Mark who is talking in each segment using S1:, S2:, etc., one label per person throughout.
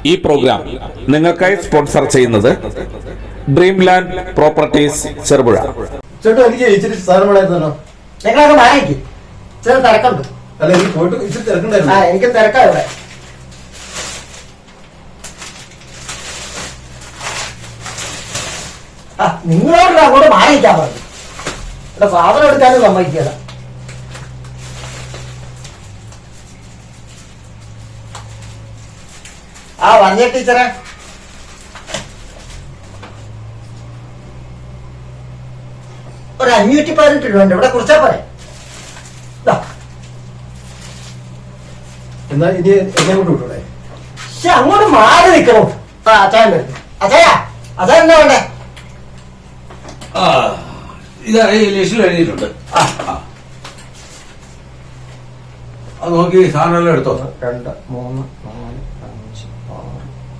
S1: ഈ പ്രോഗ്രാം നിങ്ങൾക്കായി സ്പോൺസർ ചെയ്യുന്നത് ഡ്രീം ലാൻഡ് പ്രോപ്പർട്ടീസ് ചെറുപുഴ.
S2: ചേട്ടാ എനിക്ക് ഇച്ചിരി സാധനം വേണമായിരുന്നല്ലോ.
S3: നിങ്ങളൊക്കെ മാറിക്ക്, ചെറിയ തിരക്കുണ്ട്.
S2: അല്ല എനിക്ക് പോയിട്ട് ഇച്ചിരി തിരക്കുണ്ടായിരുന്നു.
S3: എനിക്ക് തിരക്കാ ഇവിടെ. നിങ്ങളോട് അങ്ങോട്ട് മാറിയിക്കാൻ പറഞ്ഞു. ഇവിടെ സാധനം എടുക്കാനും സമ്മതിക്കില്ല. വന്യ ടീച്ചറെ, ഒരു 518 രൂപ ഉണ്ട്. ഇവിടെ കുറിച്ചാ പോരെ.
S2: എന്നാ ഇനി എന്നെ കൊണ്ട് വിട്ടൂടെ?
S3: പക്ഷെ അങ്ങോട്ട് മാറി നിൽക്കണോ? അച്ചായൻ വരുന്നു. അച്ചായ, അച്ചായൻ എന്താ വേണ്ടേ?
S4: ഇതാ ഈ ലിസ്റ്റിൽ എഴുതിയിട്ടുണ്ട്. അത് നോക്കി സാധനമെല്ലാം എടുത്തോ.
S3: 2, 3, 4, 5, 6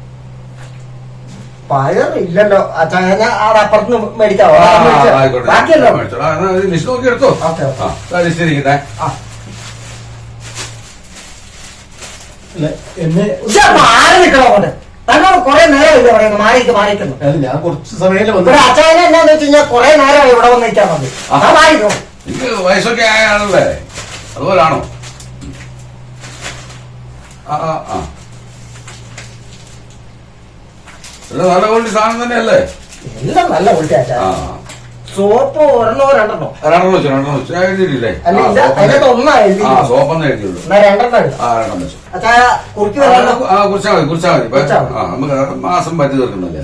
S3: പയർ ഇല്ലല്ലോ അച്ചായ. ഞാൻ അവിടെ അപ്പുറത്ത് മേടിക്കാവോ? ബാക്കിയല്ലോ
S4: ലിസ്റ്റ് നോക്കി എടുത്തോ. ലിസ്റ്റ് ഇരിക്കട്ടെ.
S2: എന്നെ
S3: മാറി നിൽക്കണോ? കൊണ്ട് തന്നോട് കുറെ നേരമില്ല പറയുന്നു മാറിക്കുന്നു.
S2: ഞാൻ കുറച്ച് സമയം
S3: ഇവിടെ അച്ചായനെ എന്നാന്ന് വെച്ച് കഴിഞ്ഞാൽ കുറെ നേരമായി ഇവിടെ വന്ന് നിൽക്കാൻ മതി. മാറിക്കോ.
S4: എനിക്ക് വയസ്സൊക്കെ ആയ ആളല്ലേ, അതുപോലാണോ? നല്ല ക്വാളിറ്റി സാധനം തന്നെയല്ലേ?
S3: എല്ലാം നല്ല ക്വാളിറ്റി അച്ചായ. സോപ്പ് ഒരെണ്ണോ രണ്ടെണ്ണോ?
S4: രണ്ടെണ്ണം വെച്ചു എഴുതിയിട്ടില്ലേ?
S3: ഒന്നാ എഴുതി.
S4: സോപ്പൊന്നും എഴുതിയുള്ളൂ.
S3: രണ്ടെണ്ണം വെച്ചു. അച്ചായ
S4: കുറിച്ചാൽ മതി. നമുക്ക് മാസം പറ്റി തീർക്കണ്ടല്ലേ.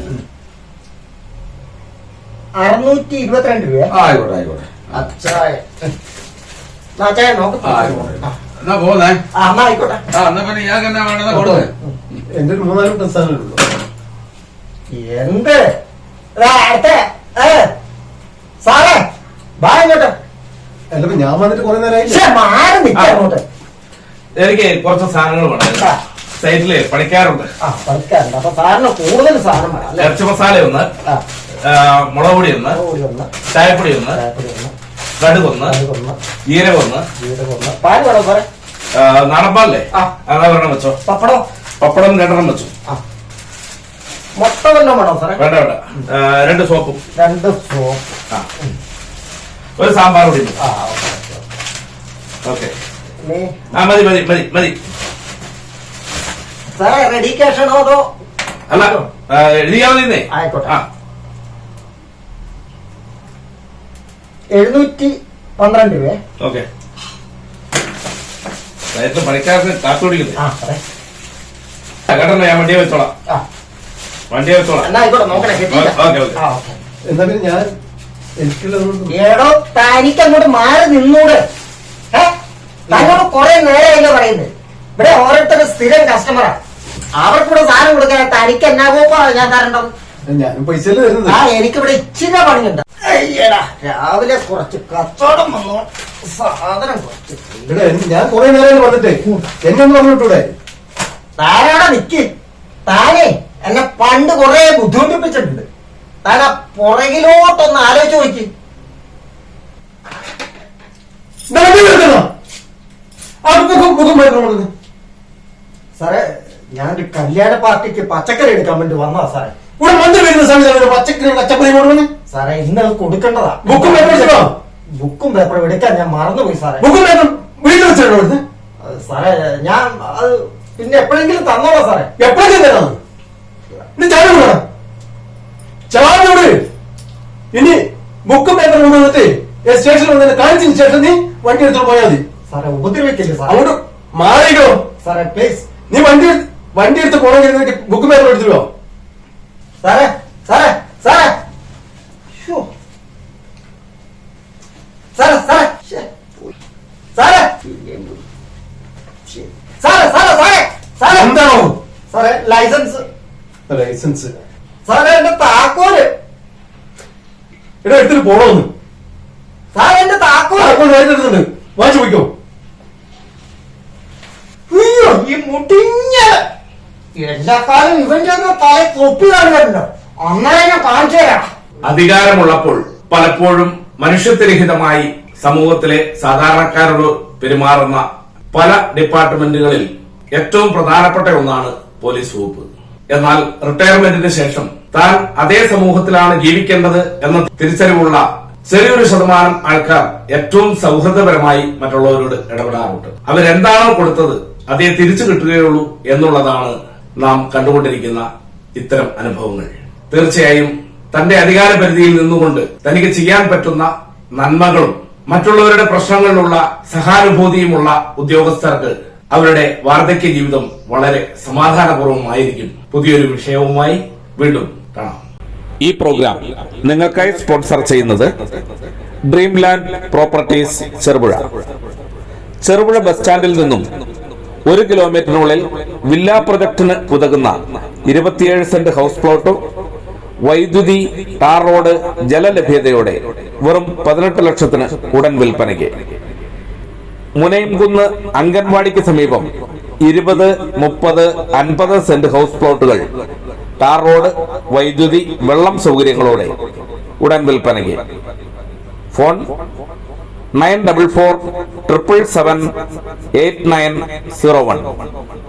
S3: 622 രൂപ.
S4: ആയിക്കോട്ടെ.
S3: അച്ചായ നോക്ക്.
S4: എന്നാ പോന്നേ.
S3: ആയിക്കോട്ടെ.
S4: എന്നാ പിന്നെ ഞാൻ എന്നാ വേണമെന്നാ കൊടുത്തേ.
S2: എന്റെ ഒരു 3-4 സാധനങ്ങളുള്ളൂ.
S3: എന്ത് അടുത്ത സാറേ ബാ ഇങ്ങോട്ട്.
S2: അല്ലപ്പോ ഞാൻ വന്നിട്ട് കുറെ നേരമായില്ലേ?
S3: മാറി നിൽക്കോട്ട്.
S1: എനിക്ക് കുറച്ച് സാധനങ്ങൾ വേണം. സൈറ്റില് പണിക്കാറുണ്ട്.
S3: പണിക്കാറുണ്ട്. അപ്പൊ സാറിന് കൂടുതൽ സാധനം വേണം.
S1: ഇറച്ചി മസാല ഒന്ന്, മുളക് പൊടി ഒന്ന്, ചായപ്പൊടി ഒന്ന്, കടുകൊന്ന്, ജീരകൊന്ന്,
S3: പാല് വേണോ സാറേ?
S1: നാടൻപാലല്ലേ? അതൊരെണ്ണം വെച്ചോ. പപ്പടം 2 വെച്ചു.
S3: മുട്ട വല്ലതും വേണോ സാറേ?
S1: വേണ്ട 2 സോപ്പും.
S3: 2 സോപ്പ്.
S1: ഒരു സാമ്പാർ പൊടി. ഓക്കെ മതി.
S3: സാറേ റെഡി ക്യാഷ് ആണോ അതോ?
S1: അല്ല എഴുതിയാ മതി.
S3: ആയിക്കോട്ടെ. 712 രൂപ.
S1: ഓക്കെ. പണിക്കാർക്ക് കാത്തു പിടിക്കുന്നു. കേട്ടോ, ഞാൻ വണ്ടിയെ വെച്ചോളാം.
S3: ആയിക്കോട്ടെ, നോക്കണേ.
S2: എന്നാ പിന്നെ ഞാൻ
S3: ഏടോ തനിക്ക് അങ്ങോട്ട് മാറി നിന്നൂടെ? തന്നോട് കുറെ നേരമല്ലേ പറയുന്നത്. ഇവിടെ ഓരോരുത്തരും സ്ഥിരം കസ്റ്റമറാ. അവർക്കൂടെ സാധനം കൊടുക്കാൻ തനിക്ക് എന്നാ കോപ്പാ ഞാൻ തരണ്ടത്?
S2: ഞാനും പൈസ തരുന്നത്.
S3: എനിക്കിവിടെ ഇച്ചിരി പണിയുണ്ട്. അയ്യടാ, രാവിലെ കുറച്ച് കച്ചവടം വന്നോ, സാധനം കുറച്ച്.
S2: ഞാൻ കുറെ നേരം വന്നിട്ടേ എന്നെ ഒന്ന് പറഞ്ഞു വിട്ടൂടെ?
S3: താനാടെ നിക്ക്. താനേ എന്നെ പണ്ട് കുറെ ബുദ്ധിമുട്ടിപ്പിച്ചിട്ടുണ്ട്. താൻ ആ പുറകിലോട്ടൊന്ന് ആലോചിച്ച് നോക്കി. സാറേ, ഞാനൊരു കല്യാണ പാർട്ടിക്ക് പച്ചക്കറി എടുക്കാൻ വേണ്ടി വന്നതാ സാറേ.
S2: ഇവിടെ മന്ത്രി വരുന്ന സമയത്ത് പച്ചക്കറി കച്ചപ്പറി കൊടുക്കണേ
S3: സാറേ. ഇന്ന് അത് കൊടുക്കേണ്ടതാ. ബുക്കും പേപ്പറും എടുക്കാൻ ഞാൻ മറന്നുപോയി സാറേ.
S2: വീട്ടിൽ വെച്ചോ
S3: സാറേ. ഞാൻ അത് പിന്നെ എപ്പോഴെങ്കിലും തന്നോളാം സാറേ.
S2: എപ്പോഴെങ്കിലും തരാം. ചാനോട് ഇനി ബുക്കും പേപ്പറും കൊണ്ടുവന്നിട്ട് സ്റ്റേഷനിൽ വന്നിട്ട് കാണിച്ചതിന് ശേഷം നീ വണ്ടി എടുത്തോണ്ട് പോയാൽ മതി.
S3: സാറേ ഉപദ്രവിക്കില്ലേ സാർ?
S2: അങ്ങോട്ട് മാറിക്കോ
S3: സാറേ പ്ലീസ്.
S2: നീ വണ്ടി എടുത്ത് പോകണമെങ്കിൽ ബുക്കും പേപ്പറും എടുത്തിട്ടോ.
S3: സാറേ സാറേ സാറേ സാറേ സാറേ സാറേ സാറേ സാറേ സാറേ സാറേ
S2: എന്താണോ
S3: സാറേ? ലൈസൻസ്.
S2: സാറേ
S3: എന്റെ താക്കോല്
S2: ഇവിടെ എടുത്തിട്ട് പോണോന്ന്.
S3: സാറേ എന്റെ താക്കോല്
S2: എടുത്തിട്ടുണ്ട്. വാങ്ങിച്ചു പോയിക്കോ.
S3: അയ്യോ, ഈ മുടിഞ്ഞ എല്ലാ കാലം ഇവന്റെ തല തൊപ്പി കാണുന്നുണ്ടോ? അന്നേരം ഞാൻ കാണിച്ചു തരാം.
S1: അധികാരമുള്ളപ്പോൾ പലപ്പോഴും മനുഷ്യത്വരഹിതമായി സമൂഹത്തിലെ സാധാരണക്കാരോട് പെരുമാറുന്ന പല ഡിപ്പാർട്ട്മെന്റുകളിൽ ഏറ്റവും പ്രധാനപ്പെട്ട ഒന്നാണ് പോലീസ് വകുപ്പ്. എന്നാൽ റിട്ടയർമെന്റിന് ശേഷം താൻ അതേ സമൂഹത്തിലാണ് ജീവിക്കേണ്ടത് എന്ന തിരിച്ചറിവുള്ള ചെറിയൊരു ശതമാനം ആൾക്കാർ ഏറ്റവും സൗഹൃദപരമായി മറ്റുള്ളവരോട് ഇടപെടാറുണ്ട്. അവരെന്താണോ കൊടുത്തത് അതേ തിരിച്ചു കിട്ടുകയുള്ളൂ എന്നുള്ളതാണ് നാം കണ്ടുകൊണ്ടിരിക്കുന്ന ഇത്തരം അനുഭവങ്ങൾ. തീർച്ചയായും തന്റെ അധികാര പരിധിയിൽ നിന്നുകൊണ്ട് തനിക്ക് ചെയ്യാൻ പറ്റുന്ന നന്മകളും മറ്റുള്ളവരുടെ പ്രശ്നങ്ങളിലുള്ള സഹാനുഭൂതിയുമുള്ള ഉദ്യോഗസ്ഥർക്ക് അവരുടെ വാർദ്ധക്യ ജീവിതം വളരെ സമാധാനപൂർവ്വമായിരിക്കും. പുതിയൊരു വിഷയവുമായി വീണ്ടും കാണാം. ഈ പ്രോഗ്രാം നിങ്ങൾക്കായി സ്പോൺസർ ചെയ്യുന്നത് dream land properties Cherupuzha. Cherupuzha bus സ്റ്റാൻഡിൽ നിന്നും 1 കിലോമീറ്ററിനുള്ളിൽ വില്ലാ പ്രൊജക്ടിന് ഉതകുന്ന 27 സെന്റ് ഹൗസ് പ്ലോട്ടും വൈദ്യുതി, ടാർ റോഡ്, ജലലഭ്യതയോടെ വെറും 18 ലക്ഷത്തിന് ഉടൻ വിൽപ്പനയ്ക്ക്. മുനയംകുന്ന് അംഗൻവാടിക്ക് സമീപം 20, 30, 50 സെന്റ് ഹൗസ് പ്ലോട്ടുകൾ ടാർ റോഡ്, വൈദ്യുതി, വെള്ളം സൗകര്യങ്ങളോടെ ഉടൻ വിൽപ്പനയ്ക്ക്. ഫോൺ 9447778901.